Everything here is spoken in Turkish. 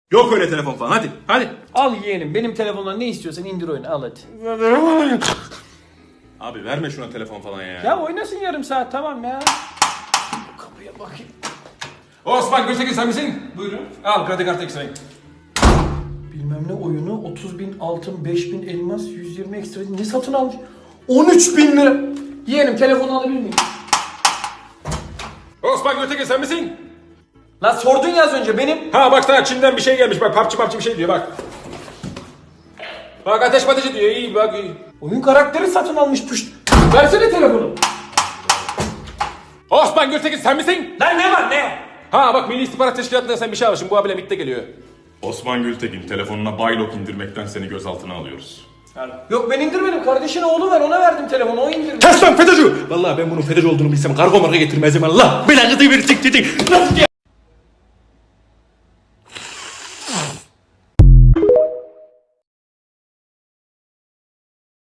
Yok öyle telefon falan, hadi hadi. Al yeğenim, benim telefondan ne istiyorsan indir oyunu, al hadi. Abi verme şuna telefon falan ya. Ya oynasın yarım saat, tamam ya. Kapıya bakayım. Osman Gültekin sen misin? Buyurun. Al kredi kartı ekstrayı. Bilmem ne oyunu, 30.000 altın, 5.000 elmas, 120 ekstra ne satın almış? 13.000 lira. Yeğenim telefonu alabilir miyim? Osman Gültekin sen misin? Lan sordun ya az önce, benim. Ha bak daha Çin'den bir şey gelmiş bak PUBG bir şey diyor bak. Bak ateş patıcı diyor iyi bak iyi. Oyun karakteri satın almış püşt. Versene telefonu. Osman Gültekin sen misin? Lan ne var ne? Ha bak Milli İstihbarat Teşkilatı'ndan sen bir şey almışsın bu abiyle MİT'te geliyor. Osman Gültekin telefonuna Baylok indirmekten seni gözaltına alıyoruz. Yok ben indirmedim, kardeşine oğlu ver, ona verdim telefonu, o indirdi. Kes lan FETÖ'cü! Vallahi ben bunun FETÖ'cü olduğunu bilsem kargo marka getirmezdim Allah. Belanızı bir tik tik tik. Nasıl ya?